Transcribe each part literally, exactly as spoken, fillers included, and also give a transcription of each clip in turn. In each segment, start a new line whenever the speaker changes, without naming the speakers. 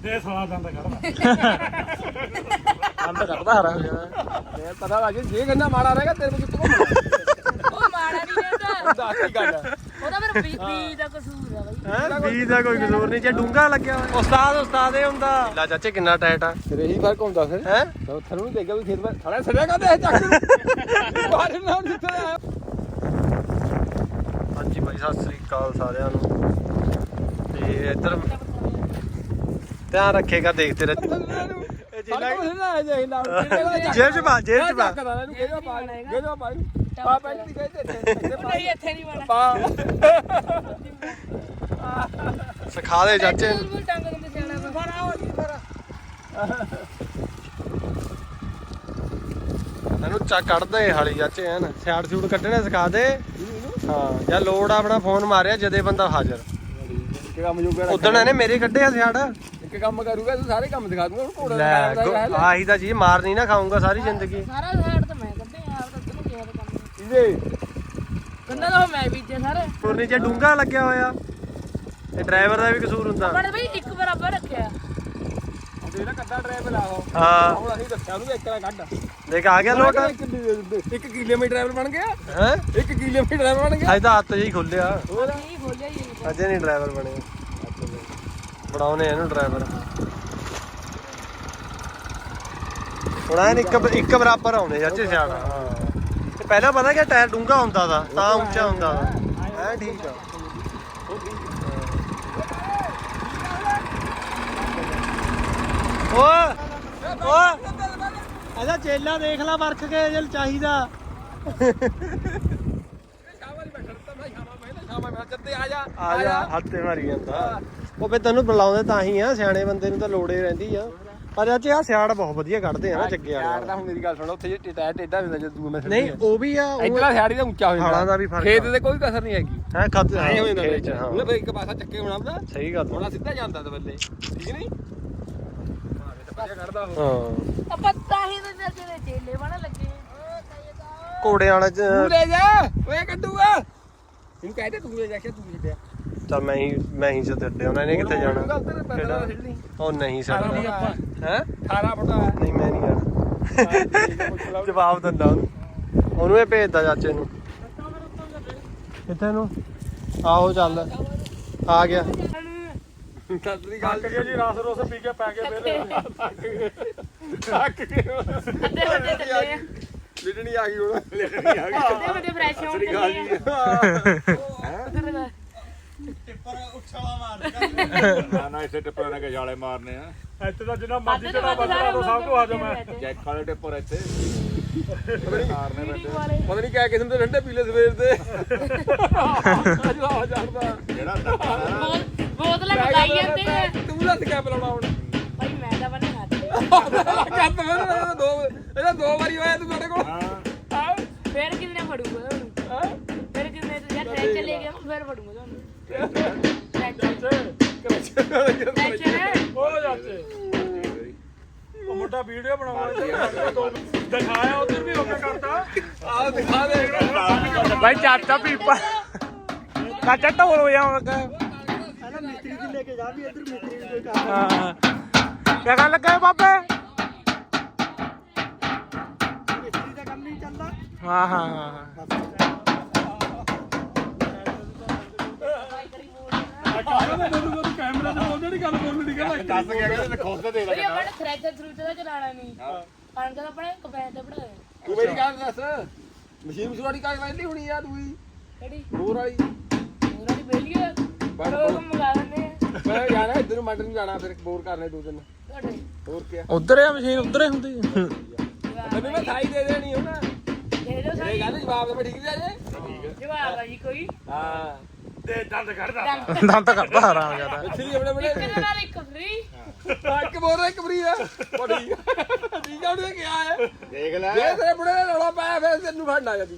ਦੇ ਸਾਲਾ ਦੰਦ ਕੱਢਦਾ
ਦੰਦ ਕੱਢਦਾ ਹਰਾ ਹੋ ਜਾਣਾ ਇਹ ਪਤਾ ਲੱਗ ਜੇ ਗੰਨਾ ਮਾੜਾ ਰਹੇਗਾ ਤੇਰੇ ਕੋਲ ਕਿੱਥੋਂ ਘੁੰਮਣਾ
ਉਹ ਮਾੜਾ ਨਹੀਂ ਰਹਿੰਦਾ
ਦੱਸ ਕੀ ਗੱਲ
ਉਹਦਾ ਫਿਰ ਬੀ ਬੀ ਦਾ ਕਸੂਰ ਆ ਬਾਈ
ਹੈ ਬੀਜ ਦਾ ਕੋਈ ਕਸੂਰ ਨਹੀਂ ਜੇ ਡੂੰਗਾ ਲੱਗਿਆ ਹੋਇਆ ਉਸਤਾਦ ਉਸਤਾਦ ਇਹ ਹੁੰਦਾ ਲਾ ਚਾਚੇ ਕਿੰਨਾ ਟਾਈਟ ਆ ਤੇਰੇ ਹੀ ਫਰਕ ਹੁੰਦਾ ਫਿਰ ਹੈ ਥਰੂ ਦੇਖਿਆ ਵੀ ਖੇਤ ਵਿੱਚ ਥੜਾ ਸੜਿਆ ਕਰਦੇ ਚੱਕ ਬਾਹਰ ਨਾ ਨਿਕਲ ਆਇਆ ਹਾਂਜੀ ਬਾਈ ਸਤਿ ਸ੍ਰੀ ਅਕਾਲ ਸਾਰਿਆਂ ਨੂੰ ਤੇ ਇੱਧਰ ਧਿਆਨ ਰੱਖੇਗਾ ਦੇਖਦੇ ਰਹਿ ਜੇਬ ਚ ਪਾ ਜੇਬ ਚ ਪਾ
ਨਹੀਂ ਇੱਥੇ ਨਹੀਂ ਵਾਲਾ
ਸਿਖਾ ਦੇ ਚਾਚੇ
ਟੰਗ ਦਿੰਦੇ ਸਿਆਣਾ ਫਰਾ ਹੋ ਜੀ ਫਰਾ
ਇਹਨੂੰ ਚੱਕ ਕੱਢਦੇ ਹਾਲੀ ਚਾਚੇ ਐਨ ਸਿਆੜ ਸੂੜ ਕੱਢਣੇ ਸਿਖਾ ਦੇ ਹਾਂ ਜਾਂ ਲੋੜ ਆਪਣਾ ਫੋਨ ਮਾਰਿਆ ਜਦੇ ਬੰਦਾ ਹਾਜ਼ਰ ਇੱਕ ਕੰਮ ਜੋਗਾ ਉਦਣ ਇਹਨੇ ਮੇਰੇ ਕੱਢਿਆ ਸਿਆੜ ਇੱਕ ਕੰਮ ਕਰੂਗਾ ਤੂੰ ਸਾਰੇ ਕੰਮ ਦਿਖਾ ਦੂੰਗਾ ਘੋੜਾ ਲੈ ਆਹੀ ਤਾਂ ਜੀ ਮਾਰ ਨਹੀਂ ਨਾ ਖਾਊਂਗਾ ਸਾਰੀ ਜ਼ਿੰਦਗੀ
ਸਾਰਾ ਸਾਈਡ ਤੇ ਮੈਂ ਕੱਢੇ ਆਪ ਤਾਂ ਤੈਨੂੰ ਕਿਹਾ ਤਾਂ ਕੰਮ
ਇਹਦੇ
ਕੰਨਾ ਤਾਂ ਮੈਂ ਬੀਜੇ ਸਾਰੇ
ਪੁਰਨੀ ਚ ਡੂੰਗਾ ਲੱਗਿਆ ਹੋਇਆ ਇਹ ਡਰਾਈਵਰ ਦਾ ਵੀ ਕਸੂਰ ਹੁੰਦਾ
ਬੜੇ ਬਈ ਇੱਕ ਬਰਾਬਰ ਰੱਖਿਆ
ਇਹਦਾ ਕੱਦਾ ਡਰਾਈਵਰ ਲਾਓ
ਹਾਂ
ਹੁਣ ਅਸੀਂ ਦੱਸਿਆ ਉਹਨੂੰ ਇੱਕ ਦਾ ਕੱਢ ਦੇਖ ਆ ਗਿਆ ਲੋਟ ਇੱਕ ਕਿਲੋਮੀਟਰ ਡਰਾਈਵਰ ਬਣ ਗਿਆ ਹੈ ਇੱਕ ਕਿਲੋਮੀਟਰ ਡਰਾਈਵਰ ਬਣ ਗਿਆ ਅੱਜ ਤਾਂ ਹੱਥ ਜਿਹੀ ਖੁੱਲਿਆ
ਨਹੀਂ ਖੋਲਿਆ ਹੀ ਨਹੀਂ
ਅਜੇ ਨਹੀਂ ਡਰਾਈਵਰ ਬਣੇ ਬਣਾਉਣੇ ਇਹਨੂੰ ਡਰਾਈਵਰ ਹੁਣ ਐਨ ਇੱਕ ਇੱਕ ਬਰਾਬਰ ਆਉਣੇ ਚਾਚੇ ਸਿਆੜ ਹਾਂ ਤੇ ਪਹਿਲਾਂ ਪਤਾ ਕਿ ਟਾਇਰ ਡੂੰਘਾ ਹੁੰਦਾ ਦਾ ਤਾਂ ਉੱਚਾ ਹੁੰਦਾ ਦਾ ਐ ਠੀਕ ਆ ਓ ਓ ਅਜਾ ਚੇਲਾ ਦੇਖ ਲੈ ਵਰਖ ਕੇ ਜੇ ਚਾਹੀਦਾ ਆ ਜਾ ਹੱਥੇ ਮਾਰੀ ਜਾਂਦਾ ਉਹ ਫੇ ਤੈਨੂੰ ਬੁਲਾਉਂਦੇ ਤਾਂ ਹੀ ਆ ਸਿਆਣੇ ਬੰਦੇ ਨੂੰ ਤਾਂ ਲੋੜੇ ਰਹਿੰਦੀ ਆ ਪਰ ਚਾਚੇ ਆ ਸਿਆੜ ਬਹੁਤ ਵਧੀਆ ਕੱਢਦੇ ਆ ਨਾ ਜੱਗੇ ਵਾਲੇ ਸਿਆੜ ਦਾ ਹੁਣ ਮੇਰੀ ਗੱਲ ਸੁਣ ਉੱਥੇ ਜੇ ਟਾਇਰ ਟੇਡਾ ਹੁੰਦਾ ਜਦ ਦੂਏ ਮੈਂ ਨਹੀਂ ਉਹ ਵੀ ਆ ਇਧਰਲਾ ਸਿਆੜੀ ਦਾ ਉੱਚਾ ਹੋ ਜਾਂਦਾ ਹਾਲਾਂ ਦਾ ਵੀ ਫਰਕ ਖੇਤ ਤੇ ਕੋਈ ਕਸਰ ਨਹੀਂ ਹੈਗੀ ਹੈ ਖੱਤ ਐ ਹੋ ਜਾਂਦਾ ਖੇਤ ਚ ਹਾਂ ਉਹਨੇ ਫੇ ਇੱਕ ਪਾਸਾ ਚੱਕੇ ਹੋਣਾ ਉਹਦਾ ਸਹੀ ਗੱਲ ਹੋਣਾ ਸਿੱਧਾ ਜਾਂਦਾ ਤੇ ਬੱਲੇ ਠੀਕ ਨਹੀਂ ਕੱਢਦਾ ਉਹ
ਹਾਂ ਪੱਤਾ ਹੀ ਤੇ ਜਿਹੜੇ ਚੇਲੇ ਬਣ ਲੱਗੇ
ਘੋੜਿਆਂ ਵਾਲੇ
ਤੂੰ ਲੈ ਜਾ ਓਏ ਕੱਢੂਗਾ
ਇਹਨੂੰ ਕਹਿ ਦੇ ਤੂੰ ਲੈ ਜਾ ਕੇ ਤੂੰ ਛੱਡਿਆ ਚੱਲ ਮੈਂ ਹੀ ਮੈਂ ਹੀ ਜਦ ਅੱਡੇ ਉਹਨਾਂ ਨੇ ਕਿੱਥੇ ਜਾਣਾ ਉਹ ਨਹੀਂ ਸਾਡਾ ਹੈ ਅਠਾਰਾਂ ਫੁੱਟ ਨਹੀਂ ਮੈਂ ਨਹੀਂ ਜਾਣਾ ਜਵਾਬ ਦਿੰਦਾ ਉਹਨੂੰ ਉਹਨੂੰ ਇਹ ਭੇਜਦਾ ਚਾਚੇ ਨੂੰ ਕਿੱਥੇ ਨੂੰ ਆਹੋ ਚੱਲ ਆ ਗਿਆ ਸਤਰੀ ਗੱਲ
ਕਰੀਏ ਜੀ ਰਸ ਰੋਸ ਪੀ ਕੇ ਪੈ ਕੇ ਫੇਰ
ਥੱਕ ਗਏ
ਅੱਧੇ ਵੱਡੇ ਚੱਲੇ ਆ
ਲਿਟਣੀ ਆ ਗਈ ਹੁਣ ਲਿਟਣੀ ਆ ਗਈ
ਅੱਧੇ ਵੱਡੇ ਫਰੈਸ਼ ਹੋਣ ਚੱਲੇ ਆ
ਟਿੱਪਰ ਉਛਾਲਾ ਮਾਰਦਾ
ਨਾ ਨਾ ਇਸੇ ਟਿੱਪਰ ਨੇ ਗਜਾਲੇ ਮਾਰਨੇ ਆ
ਇੱਥੇ ਤਾਂ ਜਿੰਨਾ ਮਰਜ਼ੀ ਚੜਾ ਬੰਦਾ ਤੋਂ ਸਭ ਤੋਂ ਹਾਜ਼ਮ ਹੈ
ਜੈਕ ਵਾਲੇ ਟਿੱਪਰ ਇੱਥੇ ਮਾਰਨੇ ਬੈਠੇ
ਪਤਾ ਨਹੀਂ ਕਿਆ ਕਿਸਮ ਦੇ ਠੰਡੇ ਪੀਲੇ ਸਵੇਰ ਦੇ ਜਵਾ ਜਾਂਦਾ
ਜਿਹੜਾ ਟੱਪਾ
ਬੋਤਲਾਂ ਮਗਾਈ ਜਾਂਦੇ ਆ
ਤੂੰ ਦੱਸ ਕਿਆ ਪਿਲਾਉਣਾ ਹੁਣ
ਭਾਈ ਮੈਂ ਤਾਂ ਬਣੇ ਹੱਥ
ਕੱਤ ਮੈਂ ਦੋ ਇਹਦਾ ਦੋ ਵਾਰੀ ਹੋਇਆ ਤੂੰ ਤੁਹਾਡੇ ਕੋਲ
ਹਾਂ
ਫੇਰ ਕਿੰਨੇ ਫੜੂਗਾ ਤੁਹਾਨੂੰ ਫੇਰ ਕਿੰਨੇ ਤੇ ਯਾਰ ਟਰੈਕ ਚਲੇ ਗਿਆ ਫੇਰ ਫੜੂਗਾ ਤੁਹਾਨੂੰ
ਉਹ ਜਾਤੇ ਉਹ ਮੁੰਡਾ ਵੀਡੀਓ ਬਣਾਉਣਾ ਦਿਖਾਇਆ ਉਧਰ ਵੀ ਓਕੇ ਕਰਤਾ
ਆਹ ਦਿਖਾ ਦੇ
ਭਾਈ ਚਾਚਾ ਪੀਪਾ ਚਾਚਾ ਢੋਲ ਹੋ ਜਾਵਾਂਗਾ
ਪਹਿਲਾਂ ਮਿਸਤਰੀ ਦੀ ਲੈ ਕੇ ਜਾ ਵੀ ਇੱਧਰ ਮਿਸਤਰੀ ਨੂੰ ਕੋਈ ਕੰਮ
ਹਾਂ ਕਿਆ ਗੱਲ ਲੱਗਾ ਬਾਬੇ
ਮਿਸਤਰੀ ਦਾ ਕੰਮ ਨਹੀਂ ਚੱਲਦਾ
ਹਾਂ ਹਾਂ ਹਾਂ ਕੈਮਰਾ ਤੇ ਬੋਲਦੇ ਨਹੀਂ ਗੱਲ ਬੋਲਣੀ ਨਹੀਂ ਗੱਲ
ਦੱਸ ਗਿਆ ਕਹਿੰਦੇ ਖੁਦ ਤੇ ਦੇ
ਭਾਈ ਆਪਣੇ ਥ੍ਰੈਸ਼ਰ ਥਰੂ ਦਾ ਚਲਾਣਾ ਨਹੀਂ ਕਣਕ ਦਾ ਆਪਣੇ ਕਪੈਨ ਤੇ ਪੜਾ
ਤੂੰ ਮੇਰੀ ਗੱਲ ਦੱਸ ਮਸ਼ੀਨ ਮਸ਼ਵਾੜੀ ਕਾਹ ਵੈਲੀ ਹੋਣੀ ਆ ਤੂੰ ਹੀ
ਕਿਹੜੀ
ਹੋਰ ਵਾਲੀ
ਉਹਨਾਂ ਦੀ ਬੇਲੀ ਆ ਬੜੋ ਮੰਗਾ ਲੈਂਦੇ ਆ
ਮੈਂ ਜਾਣਾ ਇੱਧਰ ਨੂੰ ਮੰਡ ਨੂੰ ਜਾਣਾ ਫਿਰ ਬੋਰ ਕਰਨੇ ਦੋ ਦਿਨ
ਤੁਹਾਡੇ
ਹੋਰ ਕੀ
ਉਧਰ ਆ ਮਸ਼ੀਨ ਉਧਰ ਹੀ ਹੁੰਦੀ
ਤੈਨੂੰ ਮੈਂ ਥਾਈ ਦੇ ਦੇਣੀ ਹੁਣ
ਦੇ ਦਿਓ
ਇਹ
ਸਾਡੀ
ਗੱਲ ਜਵਾਬ ਤਾਂ ਮੈਂ ਠੀਕ ਦੇ ਜੇ
ਜਵਾਬ ਆ ਜੀ ਕੋਈ
ਹਾਂ
ਤੇ ਦੰਦ ਕੱਢਦਾ
ਡੰਗ
ਦੰਦ ਕੱਢਦਾ ਹਰਾਮ ਜਿਆਦਾ
ਪਿਛਲੀ ਆਪਣੇ ਬੜੇ
ਕਿਹਦੇ ਨਾਲ ਇੱਕ ਫਰੀ
ਇੱਕ ਬੋਰ ਇੱਕ ਫਰੀ ਆ ਉਹ ਠੀਕ ਆ ਠੀਕ ਆ ਉਹਨੇ ਕਿਹਾ ਹੈ
ਦੇਖ ਲੈ
ਜੇ ਤੇਰੇ ਬੁੜੇ ਨੇ ਰੌਲਾ ਪਾਇਆ ਫਿਰ ਤੈਨੂੰ ਫੜਨਾ ਜਦੀ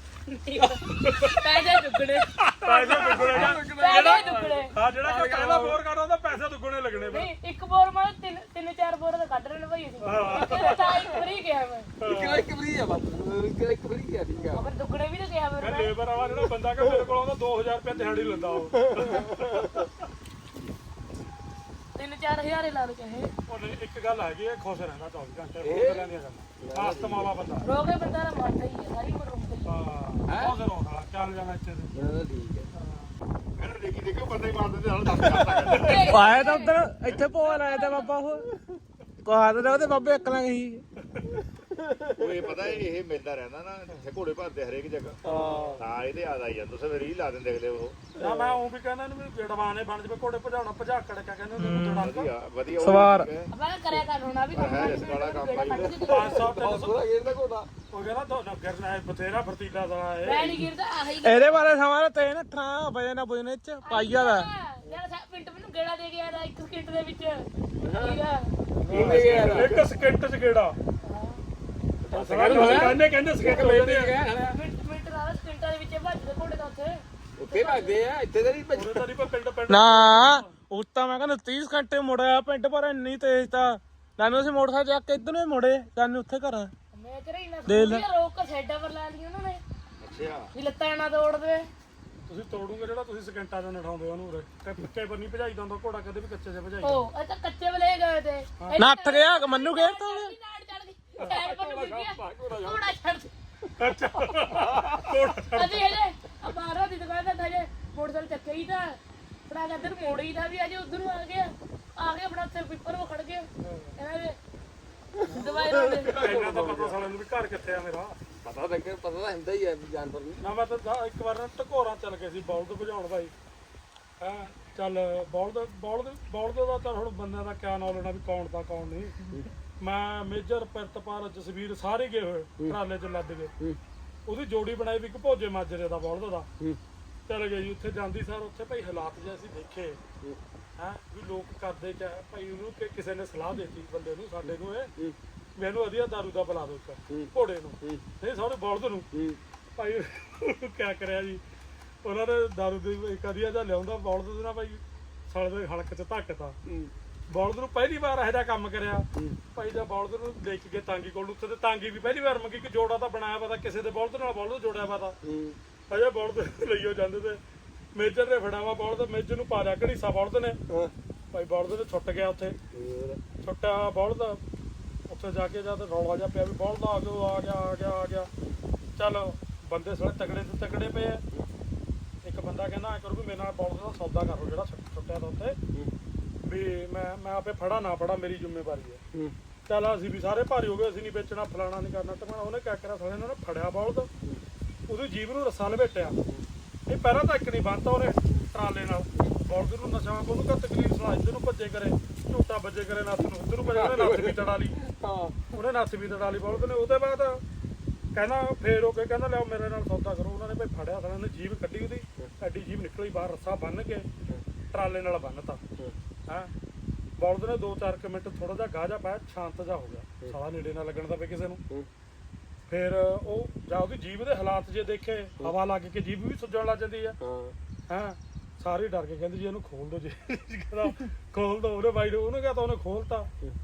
ਪੈਸੇ ਦੁੱਗਣੇ
ਪੈਸੇ ਦੁੱਗਣੇ
ਪੈਸੇ ਦੁੱਗਣੇ
ਹਾਂ ਜਿਹੜਾ ਕਿ ਪਹਿਲਾ ਬੋਰ ਕਰਦਾ ਉਹਦਾ ਪੈਸੇ ਦੁੱਗਣੇ ਲੱਗਣੇ ਬਈ
ਨਹੀਂ ਇੱਕ ਬੋਰ ਮਾਰ ਤਿੰਨ ਤਿੰਨ ਚਾਰ ਬੋਰ ਤਾਂ ਕੱਢ ਲੈਣ ਭਾਈ ਅਸੀਂ ਤਾਂ ਇੱਕ ਫਰੀ ਗਿਆ ਮੈਂ
ਇੱਕ ਇੱਕ ਫਰੀ ਆ ਬਸ ਇੱਕ ਇੱਕ ਫਰੀ ਆ ਠੀਕ ਆ
ਫਿਰ ਦੁੱਗਣੇ ਵੀ ਤਾਂ ਗਿਆ ਫਿਰ ਮੈਂ
ਲੇਬਰ ਵਾਲਾ ਜਿਹੜਾ ਬੰਦਾ ਕਿ ਮੇਰੇ ਕੋਲ ਆਉਂਦਾ ਦੋ ਹਜ਼ਾਰ ਰੁਪਏ ਦਿਹਾੜੀ ਲੈਂਦਾ ਉਹ
ਤਿੰਨ ਚਾਰ ਚਾਰ ਹਜ਼ਾਰ ਹੀ ਲਾ ਲਓ ਚਾਹੇ
ਉਹ ਨਹੀਂ ਇੱਕ ਗੱਲ ਹੈਗੀ ਹੈ ਖੁਸ਼ ਰਹਿੰਦਾ ਚੌਵੀ ਘੰਟੇ ਹੋਰ ਗੱਲਾਂ ਨਹੀਂ ਕਰਦਾ ਆਸਤ ਮਾਵਾ ਬੰਦਾ
ਰੋਗੇ ਬੰਦਾ ਦਾ ਮਰਦਾ ਹੀ ਹੈ ਸਾਰੀ ਉਮਰ ਰੋਂਦਾ ਹੀ
ਹਾਂ ਖੁਸ਼ ਰਹਿੰਦਾ ਚੱਲ ਜਾਣਾ ਇੱਥੇ ਤੇ
ਠੀਕ ਹੈ ਮੈਨੂੰ ਦੇਖੀ ਦੇਖੋ ਬੰਦੇ ਮਾਰਦੇ ਤੇ ਨਾਲ ਦੱਸ ਕਰਦਾ
ਆਇਆ ਤਾਂ ਉਧਰ ਇੱਥੇ ਭੋਲ ਆਇਆ ਤਾਂ ਬਾਬਾ ਉਹ ਕਹਾ ਤੇ ਉਹਦੇ ਬਾਬੇ ਅਕਲਾਂ ਗਈ
ਉਹ ਇਹ ਪਤਾ ਇਹ ਮਿਲਦਾ ਰਹਿੰਦਾ ਨਾ ਜਿੱਥੇ ਘੋੜੇ ਭਰਦੇ ਹਰੇਕ ਜਗ੍ਹਾ ਹਾਂ ਇਹਦੇ ਯਾਦ ਆਈ ਜਾਂਦਾ ਤੁਸੀਂ ਰੀਲ ਲਾ ਦਿੰਦੇ ਅਗਲੇ ਉਹ
ਨਾ ਮੈਂ ਉਹ ਵੀ ਕਹਿੰਦਾ ਇਹਨੂੰ ਵੀ ਜੜਵਾਨੇ ਬਣ ਜਵੇ ਘੋੜੇ ਭਜਾਉਣਾ ਭਜਾਕੜ ਕਿਆ ਕਹਿੰਦੇ ਉਹਨੂੰ ਜੜਾਂਗਾ
ਵਧੀਆ ਵਧੀਆ
ਸਵਾਰ।
ਆਪਾਂ ਕਰਿਆ ਕਰ ਹੋਣਾ ਵੀ ਕੰਮ
ਹੈ ਇਸ ਵਾਲਾ ਕੰਮ ਆਈ
ਪੰਜ ਸੌ ਤਿੰਨ ਸੌ
ਗੇਰਦਾ ਘੋੜਾ
ਉਹ ਕਹਿੰਦਾ ਤੁਹਾਨੂੰ ਗਿਰਨਾ ਹੈ ਬਥੇਰਾ ਫਰਤੀਲਾ ਦਾ ਇਹ
ਮੈਂ ਨਹੀਂ ਗਿਰਦਾ ਆਹੀ
ਇਹਦੇ ਬਾਰੇ ਸਮਾਂ ਤੇ ਨਾ ਠਾਂ ਵਜੇ ਨਾ ਬੁਝਨੇ ਚ ਪਾਈਆ ਦਾ
ਯਾਰ ਸਾ ਪਿੰਟ ਮੈਨੂੰ ਗੇੜਾ ਦੇ ਗਿਆ ਦਾ ਇੱਕ ਸਕਿੰਟ ਦੇ ਵਿੱਚ ਠੀਕ ਆ
ਕਿੰਨੇ ਗਿਆ
ਇੱਕ ਸਕਿੰਟ ਚ ਕਿਹੜਾ ਕਹਿੰਦੇ ਕਹਿੰਦੇ ਸਕਿੰਟ ਵੇਚਦੇ ਆ
ਮਿੰਟ ਮਿੰਟ ਦਾ ਸਕਿੰਟਾਂ ਦੇ ਵਿੱਚ ਭੱਜਦੇ ਘੋੜੇ ਦਾ ਉੱਥੇ
ਉੱਥੇ ਭੱਜਦੇ ਆ ਇੱਥੇ ਤਾਂ ਨਹੀਂ
ਉਹਦੇ ਤਾਂ ਨਹੀਂ ਪਿੰਡ ਪਿੰਡ
ਨਾ ਉਸ ਤਾਂ ਮੈਂ ਕਹਿੰਦਾ ਤੀਹ ਘੰਟੇ ਮੁੜਿਆ ਪਿੰਡ ਪਰ ਇੰਨੀ ਤੇਜ਼ ਤਾਂ ਸਾਨੂੰ ਅਸੀਂ ਮੋਟਰਸਾਈਕਲ ਚੱਕ ਕੇ ਇੱਧਰ ਨੂੰ ਹੀ ਮੁੜੇ ਸਾਨੂੰ ਉੱਥੇ ਘਰ
ਮੈਂ ਤੇਰੇ ਇੰਨਾ
ਦੇ ਲੈ।
ਸੋਚਿਆ ਰੋਕ ਕੇ ਸਾਈਡਾਂ ਪਰ ਲਾ ਲਈ ਉਹਨਾਂ ਨੇ
ਅੱਛਾ
ਵੀ ਲੱਤਾਂ ਨਾ ਤੋੜਦੇ
ਤੁਸੀਂ ਤੋੜੂਗੇ ਜਿਹੜਾ ਤੁਸੀਂ ਸਕਿੰਟਾਂ ਚ ਨਠਾਉਂਦੇ ਉਹਨੂੰ ਉਰੇ ਤੇ ਪੱਕੇ ਪਰ ਨਹੀਂ ਭਜਾਈਦਾ ਹੁੰਦਾ ਘੋੜਾ ਕਦੇ ਵੀ ਕੱਚੇ ਚ ਭਜਾਈਦਾ
ਉਹ ਇਹ ਤਾਂ ਕੱਚੇ ਵਲੇ ਗਏ ਤੇ
ਨੱਠ ਗਿਆ ਮੰਨੂ ਗਿਆ ਤਾਂ
ਨਾੜ ਚੜ ਗਈ ਸਾਈਡ ਪਰ ਨੂੰ ਗਿਆ ਘੋੜਾ ਛੱਡ
ਅੱਛਾ ਘੋੜਾ
ਅਸੀਂ ਹਜੇ ਆ ਬਾਹਰੋਂ ਦੀ ਦੁਕਾਨ ਦਾ ਹਜੇ ਮੋਟਰਸਾਈਕਲ ਚੱਕੇ ਹੀ ਤਾਂ ਫੜਾ ਕੇ ਇੱਧਰ ਮੋੜੀ ਦਾ ਵੀ ਅਜੇ ਉਧਰ ਨੂੰ ਆ ਗਿਆ ਆ ਗਿਆ ਆਪਣਾ ਉੱਥੇ ਪੀਪਰ ਉਹ ਖੜ ਗਿਆ ਇਹਨਾਂ ਦੇ ਦਵਾਈ ਰੋਂਦੇ
ਇਹਨਾਂ ਦਾ ਪਤਾ ਸਾਲਿਆਂ ਨੂੰ ਵੀ ਘਰ ਕਿੱਥੇ ਆ ਮੇਰਾ
ਪਤਾ ਤਾਂ ਪਤਾ ਤਾਂ ਹੁੰਦਾ ਹੀ ਹੈ ਜਾਨਵਰ ਨੂੰ
ਨਾ ਮੈਂ ਤਾਂ ਜਾ- ਇੱਕ ਵਾਰ ਨਾ ਟਕੋਰਾਂ ਚੱਲ ਗਏ ਸੀ ਬੌਲਦ ਭਜਾਉਣ ਭਾਈ ਹਾਂ ਚੱਲ ਬੌਲਦ ਬੌਲਦ ਬੌਲਦ ਦਾ ਤਾਂ ਹੁਣ ਬੰਦਿਆਂ ਦਾ ਕਿਆ ਨੌਲੇਜ ਨਾ ਵੀ ਕੌਣ ਤਾਂ ਕੌਣ ਨਹੀਂ ਮੈਂ ਮੇਜਰ ਪਿਰਤਪਾਲ ਜਸਵੀਰ ਸਾਰੇ ਗਏ ਹੋਏ ਟਰਾਲੇ 'ਚ ਲੱਦ ਗਏ ਉਹਦੀ ਜੋੜੀ ਬਣਾਈ ਵੀ ਇੱਕ ਭੋਜੇ ਮਾਜਰੇ ਦਾ ਬੌਲਦ ਦਾ ਚੱਲ ਗਏ ਜੀ ਉੱਥੇ ਜਾਂਦੀ ਸਾਰ ਉੱਥੇ ਭਾਈ ਹਾਲਾਤ ਜੇ ਅਸੀਂ ਦੇਖੇ ਹੈਂ ਵੀ ਲੋਕ ਕਰਦੇ ਕਿਆ ਹੈ, ਭਾਈ ਉਹਨੂੰ ਕਿ ਕਿਸੇ ਨੇ ਸਲਾਹ ਦਿੱਤੀ ਬੰਦੇ ਨੂੰ ਸਾਡੇ ਨੂੰ ਇਹ ਮੈਨੂੰ ਵਧੀਆ ਦਾਰੂ ਦਾ ਪਿਲਾ ਦਿਓ ਇੱਕ ਘੋੜੇ ਨੂੰ ਨਹੀਂ ਸਾਰੇ ਬੌਲਦ ਨੂੰ ਭਾਈ ਉਹਨੂੰ ਕਿਆ ਕਰਿਆ ਜੀ ਉਹਨਾਂ ਨੇ ਦਾਰੂ ਦੀ ਇੱਕ ਵਧੀਆ ਜਿਹਾ ਲਿਆਉਂਦਾ ਬੌਲਦ ਦੇ ਨਾਲ ਭਾਈ ਸਾਲੇ ਦੇ ਹਲਕ 'ਚ ਧੱਕਤਾ ਬੌਲਦ ਨੂੰ ਪਹਿਲੀ ਵਾਰ ਇਹੋ ਜਿਹਾ ਕੰਮ ਕਰਿਆ ਭਾਈ ਦਾ ਬੌਲਦ ਨੂੰ ਦੇਖ ਕੇ ਤਾਂਗੀ ਕੋਲ ਉੱਥੇ ਤੇ ਤਾਂਗੀ ਵੀ ਪਹਿਲੀ ਵਾਰ ਮੰਗੀ ਕਿ ਜੋੜਾ ਤਾਂ ਬਣਾਇਆ ਵਾ ਤਾਂ ਕਿਸੇ ਦੇ ਬੌਲਦ ਨਾਲ ਬੌਲਦ ਜੋੜਿਆ ਵਾ ਤਾਂ ਅਜੇ ਬੌਲਦ ਲਈਓ ਜਾਂਦੇ ਤੇ ਮੇਜਰ ਨੇ ਫੜਾਵਾ ਬੌਲਦ ਮੇਜਰ ਨੂੰ ਪਾ ਲਿਆ ਘੜੀਸਾ ਬੌਲਦ ਨੇ ਭਾਈ ਬੌਲਦ ਨੇ ਛੁੱਟ ਗਿਆ ਉੱਥੇ ਛੁੱਟਿਆ ਬੌਲਦ ਉੱਥੇ ਜਾ ਕੇ ਜਦ ਰੌਲਾ ਜਿਹਾ ਪਿਆ ਵੀ ਬੌਲਦ ਆ ਗਿਆ ਆ ਗਿਆ ਆ ਗਿਆ ਆ ਗਿਆ ਚੱਲ ਬੰਦੇ ਸਾਰੇ ਤਗੜੇ ਤੇ ਤਗੜੇ ਪਏ ਆ ਇੱਕ ਬੰਦਾ ਕਹਿੰਦਾ ਐ ਕਰੂ ਵੀ ਮੇਰੇ ਨਾਲ ਬੌਲਦ ਦਾ ਸੌਦਾ ਕਰ ਲਓ ਜਿਹੜਾ ਛੁੱਟਿਆ ਤਾਂ ਉੱਥੇ ਵੀ ਮੈਂ ਮੈਂ ਆਪੇ ਫੜਾ ਨਾ ਫੜਾ ਮੇਰੀ ਜ਼ਿੰਮੇਵਾਰੀ ਹੈ ਚੱਲ ਅਸੀਂ ਵੀ ਸਾਰੇ ਭਾਰੀ ਹੋ ਗਏ ਅਸੀਂ ਨਹੀਂ ਵੇਚਣਾ ਫਲਾਣਾ ਨਹੀਂ ਕਰਨਾ ਟਮਾਣਾ ਉਹਨੇ ਕਿਆ ਕਰਿਆ ਸਾਲੇ ਨੇ ਫੜਿਆ ਬੌਲਦ ਉਹਦੀ ਜੀਭ ਨੂੰ ਰੱਸਾ ਲਪੇਟਿਆ ਇਹ ਪਹਿਲਾਂ ਤਾਂ ਇੱਕ ਨਹੀਂ ਬੰਨਤਾ ਉਹਨੇ ਟਰਾਲੇ ਨਾਲ ਬੌਲਦ ਨੂੰ ਨਸ਼ਾ ਉਹਨੂੰ ਕਾ ਤਕਲੀਫ ਸੁਣਾ ਇੱਧਰ ਨੂੰ ਭੱਜੇ ਕਰੇ ਝੂਟਾ ਵੱਜੇ ਕਰੇ ਨੱਥ ਨੂੰ ਉੱਧਰ ਨੂੰ ਭੱਜੇ ਕਰੇ ਨੱਥ ਵੀ ਤੜਾ ਲਈ ਉਹਨੇ ਨੱਥ ਵੀ ਤੜਾ ਲਈ ਬੌਲਦ ਨੇ ਉਹਦੇ ਬਾਅਦ ਕਹਿੰਦਾ ਫੇਰ ਉਹ ਕਹਿੰਦਾ ਲਿਆਓ ਮੇਰੇ ਨਾਲ ਸੌਦਾ ਕਰੋ ਉਹਨਾਂ ਨੇ ਭਾਈ ਫੜਿਆ ਸਾਲੇ ਨੇ ਜੀਭ ਕੱਢੀ ਉਹਦੀ ਐਡੀ ਜੀਭ ਨਿਕਲੀ ਬਾਹਰ ਰੱਸਾ ਬੰਨ ਕੇ ਟਰਾਲੇ ਨਾਲ ਬੰਨਤਾ ਹੈਂ ਬੌਲਦ ਨੇ ਦੋ ਚਾਰ ਕੁ ਮਿੰਟ ਥੋੜਾ ਜਿਹਾ ਗਾਹ ਜਾ ਪਾਇਆ ਸ਼ਾਂਤ ਜਾ ਹੋ ਗਿਆ ਸਾਲਾ ਨੇੜੇ ਨਾ ਲੱਗਣ ਦਾ ਪਏ ਕਿਸੇ ਨੂੰ ਫਿਰ ਉਹ ਜਾਂ ਉਹਦੀ ਜੀਭ ਦੇ ਹਾਲਾਤ ਜੇ ਦੇਖੇ ਹਵਾ ਲੱਗ ਕੇ ਜੀਭ ਵੀ ਸੁੱਜਣ ਲੱਗ ਜਾਂਦੀ ਆ ਹਾਂ ਸਾਰੇ ਡਰ ਕੇ ਕਹਿੰਦੇ ਜੀ ਇਹਨੂੰ ਖੋਲ ਦੋ ਜੀ ਕਹਿੰਦਾ ਖੋਲ ਦੋ ਉਹਨੇ ਬਾਈ ਉਹਨੇ ਕਿਹਾ ਤਾਂ ਉਹਨੇ ਖੋਲਤਾ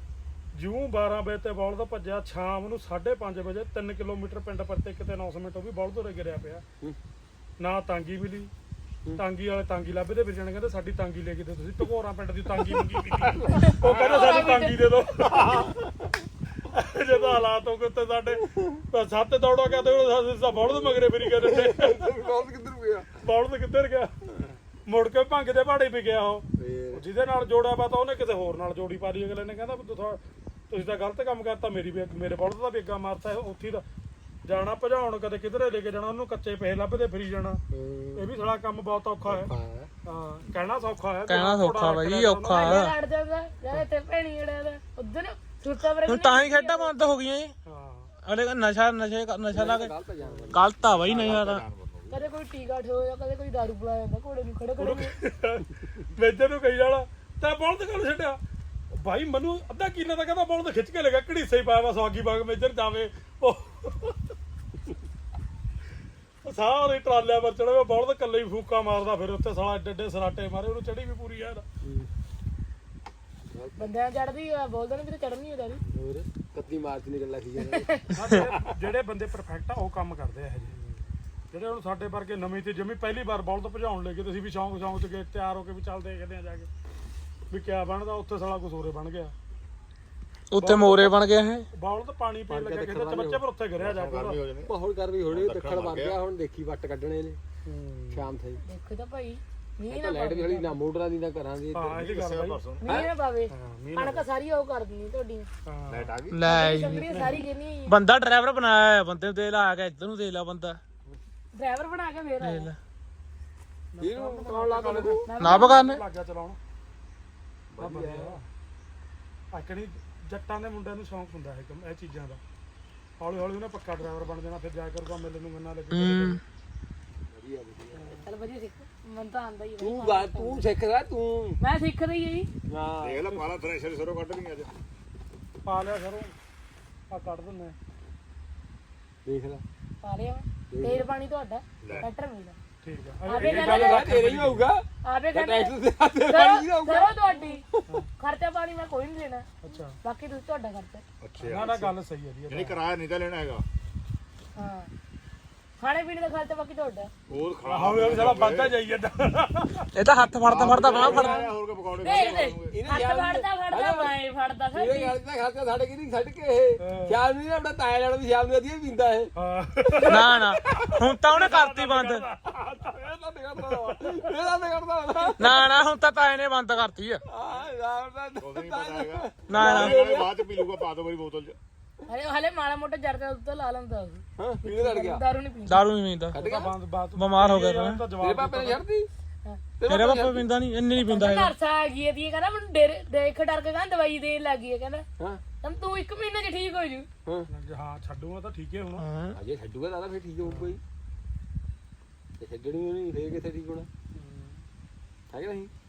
ਜਿਉਂ ਬਾਰਾਂ ਵਜੇ ਤੇ ਬੌਲਦ ਭੱਜਿਆ ਸ਼ਾਮ ਨੂੰ ਸਾਢੇ ਪੰਜ ਵਜੇ ਤਿੰਨ ਕਿਲੋਮੀਟਰ ਪਿੰਡ ਪਰਤੇ ਕਿਤੇ ਨੌ ਸੌ ਮਿੰਟ ਉਹ ਵੀ ਬੌਲਦ ਉਰੇ ਗਿਰਿਆ ਪਿਆ ਨਾ ਤਾਂਗੀ ਮਿਲੀ ਤਾਂਗੀ ਵਾਲੇ ਤਾਂਗੀ ਲੱਭਦੇ ਫਿਰ ਜਾਣ ਕਹਿੰਦੇ ਸਾਡੀ ਤਾਂਗੀ ਲੈ ਕੇ ਦਿਓ ਤੁਸੀਂ ਟਕੋਰਾਂ ਪਿੰਡ ਦੀ ਤਾਂਗੀ ਮੰਗੀ ਵੀ ਉਹ ਕਹਿੰਦੇ ਸਾਡੀ ਤਾਂਗੀ ਦੇ ਦਿਓ ਜਦੋਂ ਹਾਲਾਤ ਹੋ ਗਏ ਤੇ ਸਾਡੇ ਸੱਤ ਦੌੜਾ ਕਹਿੰਦੇ ਉਹ ਸਾ ਬੌਲਦ ਮਗਰੇ ਫਿਰੀ ਗਏ ਨੇ
ਬੌਲਦ ਕਿੱਧਰ ਗਿਆ
ਬੌਲਦ ਕਿੱਧਰ ਗਿਆ ਮੁੜ ਕੇ ਭੰਗ ਦੇ ਪਹਾੜੇ ਵੀ ਗਿਆ ਉਹ ਜਿਹਦੇ ਨਾਲ ਜੋੜਿਆ ਵਾ ਤਾਂ ਉਹਨੇ ਕਿਸੇ ਹੋਰ ਨਾਲ ਜੋੜੀ ਪਾ ਲਈ ਅਗਲੇ ਨੇ ਕਹਿੰਦਾ ਤੁਸੀਂ ਤਾਂ ਗਲਤ ਕੰਮ ਕਰਤਾ ਮੇਰੀ ਵੀ ਮੇਰੇ ਬੌਲਦ ਦਾ ਵੀ ਅੱਗਾ ਮਾਰਤਾ ਉੱਥੇ ਦਾ ਜਾਣਾ ਭਜਾਉਣ ਕਦੇ ਕਿਧਰੇ ਲੈ ਕੇ ਜਾਣਾ ਉਹਨੂੰ ਕੱਚੇ ਪੈਸੇ ਲੱਭਦੇ ਫਿਰੀ ਜਾਣਾ ਇਹ ਵੀ ਸਾਲਾ ਕੰਮ ਬਹੁਤ ਔਖਾ ਹੈ ਹਾਂ ਕਹਿਣਾ ਸੌਖਾ ਹੈ
ਕਹਿਣਾ ਸੌਖਾ ਬਾਈ ਔਖਾ
ਲੜ ਜਾਂਦਾ ਯਾਰ ਤੇ ਭੈਣੀ ਜਿਹੜਾ ਦਾ ਉਧਰ ਸੁੱਤਾ ਬਰੇ
ਹੁਣ ਤਾਂ ਹੀ ਖੇਡਾਂ ਬੰਦ ਹੋ ਗਈਆਂ
ਹਾਂ
ਅਲੇ ਨਸ਼ਾ ਨਸ਼ੇ ਨਸ਼ਾ ਲਾ ਕੇ ਗਲਤ ਆ ਬਾਈ ਨਸ਼ਾ ਤਾਂ
ਕਦੇ ਕੋਈ ਟੀਕਾ ਠੋਇਆ ਕਦੇ ਕੋਈ ਦਾਰੂ ਪਿਲਾ ਜਾਂਦਾ ਘੋੜੇ ਨੂੰ ਖੜੇ ਖੜੇ
ਮੇਜਰ ਨੂੰ ਕਹੀ ਜਾਣਾ ਤਾਂ ਬੌਲਦ ਕੱਲ ਛੱਡਿਆ ਭਾਈ ਮੈਨੂੰ ਅੱਧਾ ਕਿੱਲਾ ਤਾਂ ਕਹਿੰਦਾ ਬੌਲਦ ਖਿੱਚ ਕੇ ਲੈ ਗਿਆ ਘੜੀਸੇ ਹੀ ਪਾਇਆ ਵਾ ਸਵਾਗੀ ਬਾਗ ਮੇਜਰ ਜਾਵੇ ਉਹ ਸਾਰੇ ਟਰਾਲਿਆਂ ਪਰ ਚੜ੍ਹੇ ਬੌਲਦ ਇਕੱਲੇ ਹੀ ਫੂਕਾ ਮਾਰਦਾ ਫਿਰ ਉੱਥੇ ਸਾਲਾ ਏਡੇ ਏਡੇ ਸਰਾਟੇ ਮਾਰੇ ਉਹਨੂੰ ਚੜੀ ਵੀ ਪੂਰੀ ਯਾਰ
ਬੰਦਿਆਂ ਚੜਦੀ ਆ ਬੋਲਦੇ ਨੇ ਵੀ ਤੇ ਚੜਨੀ ਹੁੰਦਾ ਨਹੀਂ
ਹੋਰ ਕੱਤੀ ਮਾਰਚ ਨਿਕਲ ਲੱਗੀ
ਜਿਹੜੇ ਬੰਦੇ ਪਰਫੈਕਟ ਆ ਉਹ ਕੰਮ ਕਰਦੇ ਆ ਇਹ ਜਿਹੜੇ ਹੁਣ ਸਾਡੇ ਵਰਗੇ ਨਵੀਂ ਤੇ ਜਮੀ ਪਹਿਲੀ ਵਾਰ ਬੌਲਦ ਭਜਾਉਣ ਲੱਗੇ ਤੁਸੀਂ ਵੀ ਸ਼ੌਂਕ ਸ਼ੌਂਕ ਚ ਗਏ ਤਿਆਰ ਹੋ ਕੇ ਵੀ ਚੱਲਦੇ ਕਹਿੰਦੇ ਆ ਜਾ ਕੇ ਵੀ ਕਿਆ ਬਣਦਾ, ਉੱਥੇ ਸਾਲਾ ਕੁਝ ਹੋਰੇ ਬਣ ਗਿਆ।
ਉੱਤੇ ਮੋਰੇ ਬਣ ਗਿਆ ਇਹ
ਬੌਲ ਤਾਂ ਪਾਣੀ ਪੀਣ ਲੱਗਾ ਕਿਸੇ ਚ ਬੱਚੇ ਪਰ ਉੱਥੇ ਗਿਰਿਆ ਜਾ ਕੇ
ਗਰਮੀ ਹੋ ਜਾਣੀ
ਮਾਹੌਲ ਕਰ ਵੀ ਹੋਣੀ ਦੱਖਣ ਵਗ ਗਿਆ ਹੁਣ ਦੇਖੀ ਵੱਟ ਕੱਢਣੇ ਨੇ ਸ਼ਾਮ ਤਾਈਂ
ਦੇਖੋ ਤਾਂ ਭਾਈ ਮੀਂਹ
ਤਾਂ
ਨਾ
ਲਾਈਟ ਵੀ ਹਲੀ ਨਾ ਮੋਟਰਾਂ ਦੀ ਨਾ ਘਰਾਂ ਦੀ
ਹਾਂ ਇਹਦੀ ਗੱਲ ਬਾਈ।
ਪਰਸੋਂ
ਮੀਂਹ ਨਾ ਪਾਵੇ
ਹਾਂ ਮੀਂਹ
ਕਣਕ ਸਾਰੀ ਉਹ ਕਰ ਦਿੰਦੀ ਤੁਹਾਡੀ
ਹਾਂ
ਲਾਈਟ ਆ ਗਈ
ਲੈ
ਸੰਗੜੀ ਸਾਰੀ ਗਿਰਨੀ
ਬੰਦਾ ਡਰਾਈਵਰ ਬਣਾਇਆ ਹੈ, ਬੰਦੇ ਨੂੰ ਦੇ ਲਾ ਕੇ ਇੱਧਰ ਨੂੰ ਦੇ ਲਾ ਬੰਦਾ
ਡਰਾਈਵਰ ਬਣਾ ਕੇ ਫੇਰ ਆਇਆ
ਇਹਨੂੰ ਕੌਣ ਲਾ ਕੇ ਲੱਗੂ
ਨਾ ਬਗਾਨੇ
ਲੱਗ ਗਿਆ ਚਲਾਉਣ ਆ ਵਧੀਆ ਆਕਣੀ ਜੱਟਾਂ ਦੇ ਮੁੰਡਿਆਂ ਨੂੰ ਸ਼ੌਂਕ ਹੁੰਦਾ ਹੈ ਇਹ ਚੀਜ਼ਾਂ ਦਾ। ਹੌਲੀ ਹੌਲੀ ਉਹਨੇ ਪੱਕਾ ਡਰਾਈਵਰ ਬਣ ਜਾਣਾ, ਫਿਰ ਜਾ ਕਰੂਗਾ ਮੇਲੇ ਨੂੰ ਗੰਨਾ ਲੱਗੇ।
ਹੂੰ
ਚਲ ਵਧੀਆ ਸਿੱਖ ਮਨ ਤਾਂ ਆਂਦਾ ਹੀ
ਤੂੰ ਗਾ ਤੂੰ ਸਿੱਖ ਲੈ ਤੂੰ
ਮੈਂ ਸਿੱਖ ਰਹੀ ਹਾਂ ਜੀ
ਹਾਂ
ਦੇਖ ਲੈ ਪਾਲਾ ਥ੍ਰੈਸ਼ਰ ਸਰੋਂ ਕੱਢ ਲਈ ਅੱਜ
ਪਾ ਲਿਆ ਸਰੋਂ ਆ ਕੱਢ ਦਿੰਨੇ
ਦੇਖ ਲੈ
ਪਾ ਲਿਆ ਮੈਂ ਤੇਲ ਪਾਣੀ ਤੁਹਾਡਾ ਟਰੈਕਟਰ ਮੇਰਾ
ਠੀਕ ਆ।
ਆਵੇ
ਇਹ ਗੱਲ ਤਾਂ ਤੇਰੇ ਹੀ ਹੋਊਗਾ
ਆਵੇ
ਟੈਕਸ
ਕਹਿੰਦੇ
ਦੇ ਹੱਥੇ ਪਾਣੀ ਦਾ ਹੋਊਗਾ
ਕਰੋ ਤੁਹਾਡੀ ਖਰਚਾ ਪਾਣੀ ਮੈਂ ਕੋਈ ਨਹੀਂ ਦੇਣਾ
ਅੱਛਾ
ਬਾਕੀ ਤੁਸੀਂ ਤੁਹਾਡਾ ਖਰਚਾ
ਅੱਛਾ
ਨਾ ਨਾ ਗੱਲ ਸਹੀ ਹੈ ਜੀ
ਨਹੀਂ ਕਿਰਾਇਆ ਨਹੀਂ ਤਾਂ ਲੈਣਾ ਹੈਗਾ
ਹਾਂ ਖਾਣੇ ਪੀਣੇ ਦਾ ਖਰਚਾ ਬਾਕੀ ਤੁਹਾਡਾ
ਹੋਰ ਖਾ
ਹੌਲੀ ਹੌਲੀ ਸਾਲਾ ਵੱਧਦਾ ਜਾਈ ਜਾਂਦਾ।
ਇਹ ਤਾਂ ਹੱਥ ਫੜਦਾ ਫੜਦਾ ਬਾਹ ਫੜਦਾ
ਹੋਰ ਕੇ ਪਕੌੜੇ
ਦੇਖ ਦੇ
ਇਹਨੇ
ਹੱਥ
ਯਾਰ
ਫੜਦਾ ਫੜਦਾ ਮੈਂ ਫੜਦਾ
ਇਹ
ਸਾਡੀ
ਗੱਲ ਦਾ ਖਾਤਾ ਸਾਡੇ ਕਿਹਦੀ ਛੱਡ ਕੇ ਇਹ ਸ਼ਾਮ ਨੂੰ ਆਪਣਾ ਤਾਇਆ ਲੜਦਾ ਦੀ ਸ਼ਾਮ ਨੂੰ ਵਧੀਆ ਪੀਂਦਾ ਇਹ
ਹਾਂ
ਨਾ ਨਾ ਹੁਣ ਤਾਂ ਉਹਨੇ ਕਰਤੀ ਬੰਦ
ਇਹ ਤਾਂ ਨਿਕਲਦਾ ਇਹ ਤਾਂ ਨਿਕਲਦਾ
ਨਾ ਨਾ ਹੁਣ ਤਾਂ ਤਾਏ ਨੇ ਬੰਦ ਕਰਤੀ ਆ
ਆ ਯਾਰ ਦਾ
ਉਹਦੇ ਨਹੀਂ ਪਤਾ ਹੈਗਾ
ਨਾ ਨਾ
ਬਾਅਦ ਚ ਪੀ ਲੂਗਾ ਪਾ ਦੋ ਵਾਰੀ ਬੋਤਲ ਚ
ਹਲੇ ਹਲੇ ਮਾੜਾ ਮੋਟਾ ਜਰਦਾ ਉੱਤੇ ਲਾ ਲੈਂਦਾ ਉਹ
ਹਾਂ ਪੀਣੇ ਲੜ ਗਿਆ
ਦਾਰੂ ਨਹੀਂ ਪੀਂਦਾ
ਦਾਰੂ ਨਹੀਂ ਪੀਂਦਾ
ਕੱਢ ਗਿਆ
ਬੰਦ ਬਾਤ
ਬਿਮਾਰ ਹੋ ਗਿਆ ਤਾਂ
ਤਾਂ
ਤੇਰੇ
ਜਵਾਬ
ਪਾਪੇ ਨੇ ਛੱਡਦੀ
ਤੇਰੇ ਬਾਪਾ ਪੀਂਦਾ ਨਹੀਂ ਇੰਨੀ ਨਹੀਂ ਪੀਂਦਾ ਹੈਗਾ
ਨਰਸਾ ਆ ਗਈ ਇਹਦੀ ਕਹਿੰਦਾ ਮੈਨੂੰ ਡੇਰੇ ਦੇਖ ਡਰ ਕੇ ਕਹਿੰਦਾ ਦਵਾਈ ਦੇਣ ਲੱਗ ਗਈ ਹੈ ਕਹਿੰਦਾ
ਹਾਂ
ਤਮ ਤੂੰ ਇੱਕ ਮਹੀਨੇ ਚ ਠੀਕ ਹੋ ਜੂ
ਹਾਂ
ਹਾਂ ਛੱਡੂਗਾ ਤਾਂ ਠੀਕ ਹੈ ਹੁਣ।
ਹਾਂ
ਅਜੇ ਛੱਡੂਗਾ ਦਾਦਾ ਫੇਰ ਠੀਕ ਹੋਊ ਕੋਈ ਤੇ ਛੱਡਣੀ ਨਹੀਂ ਫੇਰ ਕਿੱਥੇ ਠੀਕ ਹੋਣਾ ਹੈ ਕਿ ਨਹੀਂ